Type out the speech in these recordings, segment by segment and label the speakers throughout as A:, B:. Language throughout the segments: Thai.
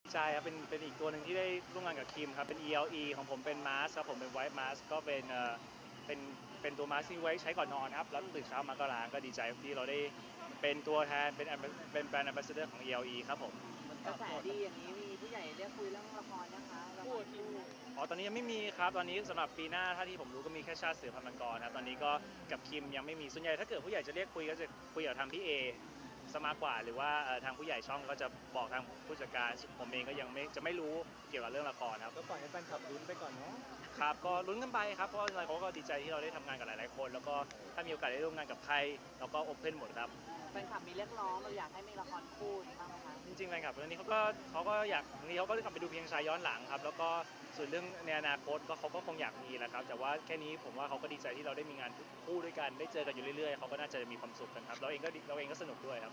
A: ใช่ครับเป็นอีกตัวหนึ่งที่ได้ร่วมงานกับคิมครับเป็น ELE ของผมเป็นมาสครับผมเป็น White Mask ก็เป็นเป็นตัวมาสที่ไว้ใช้ก่อนนอนครับแล้วตื่นเช้ามาก็ล้างก็ดีใจที่เราได้เป็นตัวแทนเป็นแบรนด์ Ambassador ของ ELE ครับผม
B: กระแสดีอย่างนี้มีผู้ใหญ่เรียกคุยเรื่องละครนะคะละครคู่
A: อ๋อตอนนี้ยังไม่มีครับตอนนี้สำหรับปีหน้าถ้าที่ผมรู้ก็มีแค่ชาติเสือพันธุ์มังกรครับตอนนี้ก็กับคิมยังไม่มีส่วนใหญ่ถ้าเกิดผู้ใหญ่จะเรียกคุยก็จะคุยกับทางพี่เอซะมากกว่าหรือว่าทางผู้ใหญ่ช่องก็จะบอกทางผู้จัดการผมเองก็ยังไม่รู้เกี่ยวกับเรื่องละครครับ
C: ก็ปล่อยให้แฟนคลับลุ้นไปก่อนเนาะ
A: ครับก็ลุ้นกันไปครับเพราะอะไรเขาก็ดีใจที่เราได้ทำงานกับหลายๆคนแล้วก็ถ้ามีโอกาสได้ร่วมงานกับใครเราก็โอเพนหมดครับ
B: แฟนคลับมีเรียกร้องเราอยากให้มีละครคู่บ้างไหมคะ
A: จริงๆแฟนคลับเรื่องนี้เขาก็อยากนี้เขาก็กลับไปดูเพียงชายย้อนหลังครับแล้วก็ส่วนเรื่องในอนาคตก็เขาก็คงอยากมีแหละครับแต่ว่าแค่นี้ผมว่าเขาก็ดีใจที่เราได้มีงานคู่ด้วยกันได้เจอกันอยู่เรื่อยๆเขาก็น่าจะมีความสุขกันครับเราเองก็สนุกด้วยครับ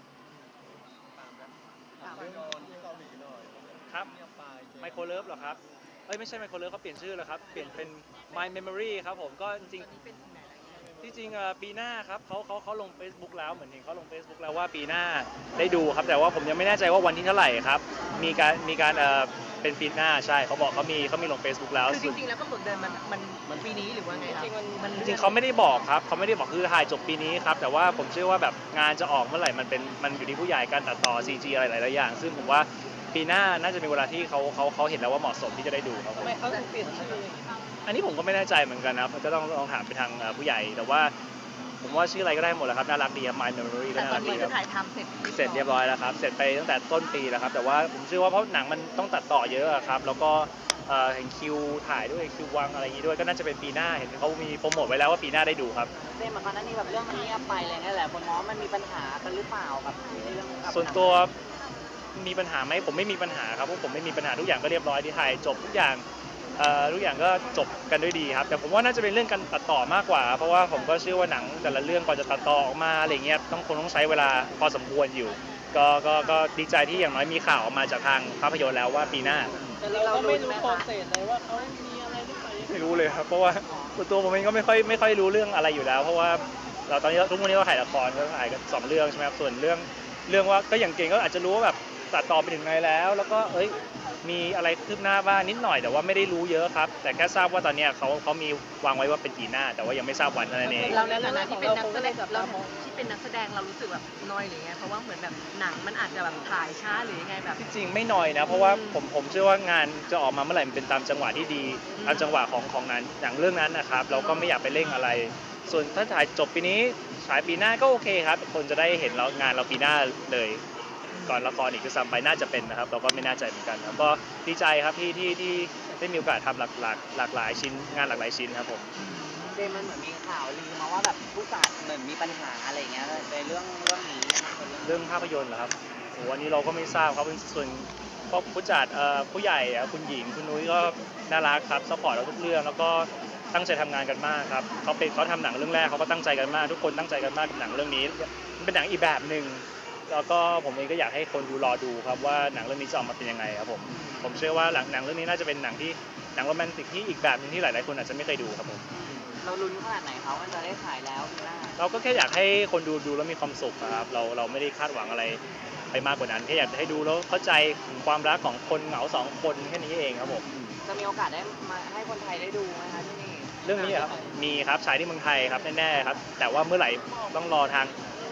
C: ถามเรื่องที่เกาหลีหน่อย
A: ครับไมโครเลิฟเหรอครับไม่ใช่ไมโครเลิฟเขาเปลี่ยนชื่อแล้วครับเปลี่ยนเป็น My Memory ครับผมก็จริงๆที่จริงปีหน้าครับเขาลง Facebook แล้วเหมือนเห็นเขาลง Facebook แล้วว่าปีหน้าได้ดูครับแต่ว่าผมยังไม่แน่ใจว่าวันที่เท่าไหร่ครับมีการเป็นปีหน้าใช่เขาบอกเขามีลง Facebook แล้ว
D: คือจริงๆแล้วกำหนดเดินมันปีนี้หรือว่าไงครับ
A: จริงเขาไม่ได้บอกครับเขาไม่ได้บอกคือถ่ายจบปีนี้ครับแต่ว่าผมเชื่อว่าแบบงานจะออกเมื่อไหร่มันอยู่ที่ผู้ใหญ่การตัดต่อ CG อะไรหลายๆอย่างซึ่งผมว่าปีหน้าน่าจะมีเวลาที่เขาเห็นแล้วว่าเหมาะสมที่จะได้ดูครับ
D: ทำไมเขาถึงเปลี่ยนชื่อ
A: อันนี้ผมก็ไม่แน่ใจเหมือนกันนะครับก็ต้องลองถามไปทางผู้ใหญ่แต่ว่าผมว่าชื่ออะไรก็ได้หมดแหละครับน่ารักดีครับ My Memory ก็
D: แต่
A: น่ารัก
D: ตอนนี้
A: ดีค
D: ก็
A: รับ
D: ถ่ายทำ
A: เสร็จเรียบร้อยแล้วครับเสร็จไปตั้งแต่ต้นปีแล้วครับแต่ว่าผมเชื่อว่าเพราะหนังมันต้องตัดต่อเยอะครับแล้วก็เห็นคิวถ่ายด้วยคิววางอะไรอย่างนี้ด้วยก็น่าจะเป็นปีหน้าเห็นเขามีโปรโมทไว้แล้วว่าปีหน้าได้ดูครับ
B: เต้มาก่อนหน้านี้แบบเรื่องมันเงียบไปอะไรเงี้ยแหละคนมองมันมีปัญหากันหรือเปล่ากับเรื่อง
A: ส่วนตัวมีปัญหาไหมผมไม่มีปัญหาครับเพราะผมไม่มีปัญหาทุกอย่างก็เรียบร้อยที่ถ่ายจบทุกอย่างทุกอย่างก็จบกันด้วยดีครับแต่ผมว่าน่าจะเป็นเรื่องการตัดต่อมากกว่าเพราะว่าผมก็เชื่อว่าหนังแต่ละเรื่องก่อนจะตัดต่อออกมาอะไรเงี้ยต้องใช้เวลาพอสมควรอยู่ก็ดีใจที่อย่างน้อยมีข่าวออกมาจากทางภาพยนตร์แล้วว่าปีหน้า
D: แต่เราก็ไม่รู้โปรเซสเลยว่าเขามีอะไรหรือเปล่า
A: ไม่รู้เลยครับเพราะว่าตัวผมเองก็ไม่ค่อยรู้เรื่องอะไรอยู่แล้วเพราะว่าเราตอนนี้ทุกวันนี้เราถ่ายละครก็ถ่ายกัน2 เรื่องใช่ไหมครับส่วนเรื่องว่าก็อย่างเก่งก็อาจจะรู้ว่าแบบตัดต่อไปถึงไหนแล้วก็มีอะไรคืบหน้าบ้างนิดหน่อยแต่ว่าไม่ได้รู้เยอะครับแต่แค่ทราบว่าตอนนี้เขามีวางไว้ว่าเป็นปีหน้าแต่ว่ายังไม่ทราบวันนั่นเอง
D: เราในฐานะที่เป็นนักแสดงเรารู้สึกแบบน้อยหรือไงเพราะว่าเหมือนแบบหนังมันอาจจะแบบถ่ายช้าหรือยังไงแบบ
A: ที่จริงไม่น้อยนะเพราะว่าผมเชื่อว่างานจะออกมาเมื่อไหร่มันเป็นตามจังหวะที่ดีตามจังหวะของนั้นอย่างเรื่องนั้นนะครับเราก็ไม่อยากไปเร่งอะไรส่วนถ้าถ่ายจบปีนี้ฉายปีหน้าก็โอเคครับคนจะได้เห็นงานเราปีหน้าเลยก่อนละครอีกจะซ้ำไปน่าจะเป็นนะครับเราก็ไม่แน่ใจเหมือนกันแล้วก็ดีใจครับที่ได้มีโอกาสทำหลากหลายชิ้นงานหลากหลายชิ้นครับผม
B: เดมันเหมือนมีข่าวลือมาว่าแบบผู้จัดเหมือนมีปัญหาอะไรเงี้ยในเรื่องนี้
A: เรื่องภาพยนตร์เหรอครับโอ้อันนี้เราก็ไม่ทราบครับส่วนผู้จัดผู้ใหญ่คุณหญิงคุณนุ้ยก็น่ารักครับซัพพอร์ตเราทุกเรื่องแล้วก็ตั้งใจทำงานกันมากครับเขาทำหนังเรื่องแรกเขาก็ตั้งใจกันมากทุกคนตั้งใจกันมากกับหนังเรื่องนี้มันเป็นหนังอีกแบบหนึ่งแล้วก็ผมเองก็อยากให้คนรอดูครับว่าหนังเรื่องนี้จะออกมาเป็นยังไงครับผมเชื่อว่าหนังเรื่องนี้น่าจะเป็นหนังโรแมนติกที่อีกแบบนึงที่หลายๆคนอาจจะไม่เคยดูครับผม
B: เราลุ้นขนาดไหนเขาว่าจะได้ถ่ายแล้วปีหน้า
A: เราก็แค่อยากให้คนดูแล้วมีความสุขครับเราไม่ได้คาดหวังอะไรไปมากกว่านั้นแค่อยากให้ดูแล้วเข้าใจถึงความรักของคนเหงา2 คนแค่นี้เองครับผม
B: จะมีโอกาสได้มาให้คนไทยได้ดูไหมคะที่นี่
A: เรื่องนี้ครับมีครับฉายที่เมืองไทยครับแน่ๆครับแต่ว่าเมื่อไหร่ต้องรอทาง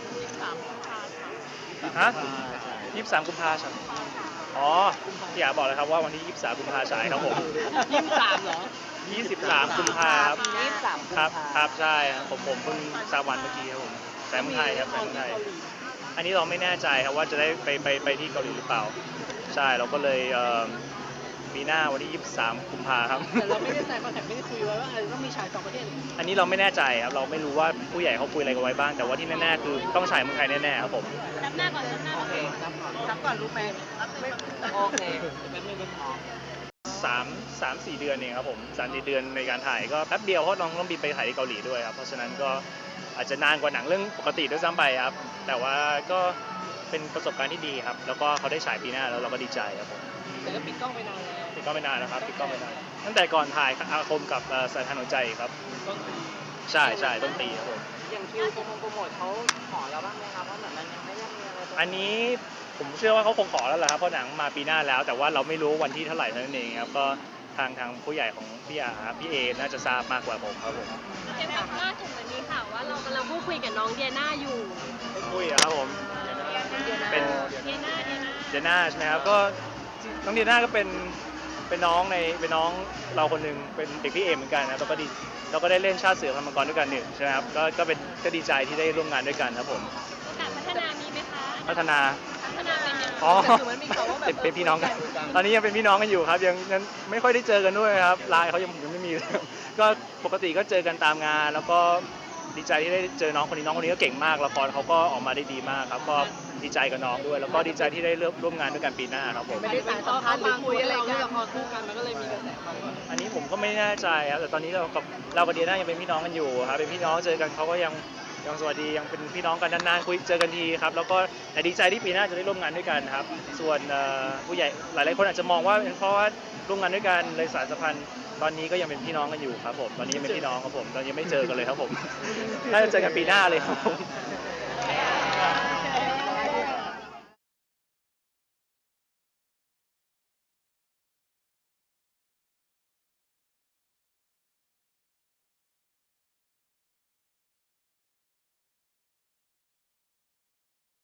A: 23 กุมภาพันธ์อ๋อพี่อยากบอกเลยครับว่าวันที่23 กุมภาพันธ์ฉายครับผม
D: 23เหรอ
A: 23 กุมภาพันธ์ครับใช่ผมเพิ่งทราบวันเมื่อกี้ครับผมแต่เมืองไทยครับแต่เมืองไทยอันนี้เราไม่แน่ใจครับว่าจะได้ไปที่เกาหลีหรือเปล่าใช่เราก็เลยปีหน้าวันที่23 กุมภาพันธ์ครับ
D: แต่เราไม่ได้ใส่คอนแทคไม่ได้คุยไว้ว่าต้องมีฉาย2 ประเทศ
A: อันนี้เราไม่แน่ใจครับเราไม่รู้ว่าผู้ใหญ่เขาคุยอะไรกันไว้บ้างแต่ว่าที่แน่ๆคือต้องฉายเมืองไทยแน่ๆครับผม
D: รับหน้าก่อนโอเครับก่อนรู้ไหม
B: โอเค
A: 3-4 เดือนเองครับผม3-4 เดือนในการถ่ายก็แป๊บเดียวเพราะน้องต้องบินไปถ่ายที่เกาหลีด้วยครับเพราะฉะนั้นก็อาจจะนานกว่าหนังเรื่องปกติด้วยซ้ำไปครับแต่ว่าก็เป็นประสบการณ์ที่ดีครับแล้วก็เขาได้ฉายปีหน้าแล้วเราก็ดีใจครับผม
D: แต่ก็ปิดกล้องไปนานแล้ว
A: ปิดกล้องไปนานนะครับปิดกล้องไปนานตั้งแต่ก่อนถ่ายอาคมกับสายทานหัวใจครับใช่ต้นปีครับผม
B: อย่างคิวโปรโมทเขาขอเราบ้างไหมครับว่าเหมือนมันยังไม่ได้มีอะไร
A: อันนี้ผมเชื่อว่าเขาคงขอแล้วแหละครับเพราะหนังมาปีหน้าแล้ว แต่ว่าเราไม่รู้วันที่เท่าไหร่เท่านั้นเองครับก็ทางผู้ใหญ่ของพี่อาพี่เอน่าจะทราบมากกว่าผมครับผม
E: เห็นว่าล่าสุดเหมือนมีข่าวว่าเรากำลังพูดคุยกับน้องเดียน่าอยู่
A: คุยอะครับผมเป็น
E: เดียน่า
A: เดียน่าใช่ไหมครับก็น้องเดียน่าก็เป็นน้องเราคนหนึ่งเป็นเด็กพี่เอเหมือนกันนะแล้วก็ได้เล่นชาติเสือพันธุ์มังกรด้วยกันหนึ่งใช่ไหมครับก็ดีใจที่ได้ร่วมงานด้วยกันครับผม
E: โอกาสพัฒนามีไหมคะ
A: พัฒนา
E: พัฒนาเป็นยังไง
A: อ๋อ
D: แต่คือมันมีข่าวว่าแบบ
A: เป็นพี่น้องกัน ตอนนี้ยังเป็นพี่น้องกันอยู่ครับยังไม่ค่อยได้เจอกันด้วยครับไลน์เขายังไม่มีเลยก็ปกติก็เจอกันตามงาน แล้วก็ดีใจที่ได้เจอน้องคนนี้ก็เก่งมากละครเขาก็ออกมาได้ดีมากครับก็ดีใจกับน้องด้วย แล้วก็ดีใจที่ได้ร่วมงานด้วยกันปีหน้าครับผม
D: ไม่ได้สายสัมพันธ์หรือคุยอะไรกัน
A: อันนี้ผมก็ไม่แน่ใจครับแต่ตอนนี้เรากับเดียน่ายังเป็นพี่น้องกันอยู่ครับเป็นพี่น้องเจอกันเขาก็ยังสวัสดียังเป็นพี่น้องกันนานๆคุยเจอกันทีครับแล้วก็แต่ดีใจที่ปีหน้าจะได้ร่วมงานด้วยกันครับส่วนผู้ใหญ่หลายๆคนอาจจะมองว่าเป็นเพราะว่าร่วมงานด้วยกันเลยสายสัมพันธ์ตอนนี้ก็ยังเป็นพี่น้องกันอยู่ครับผมตอนนี้ยังเป็นพี่น้องครับผมตอนนี้ยังไม่เจอกันเลยครับผมน่าจะเจอกันปีหน้าเลยครับผม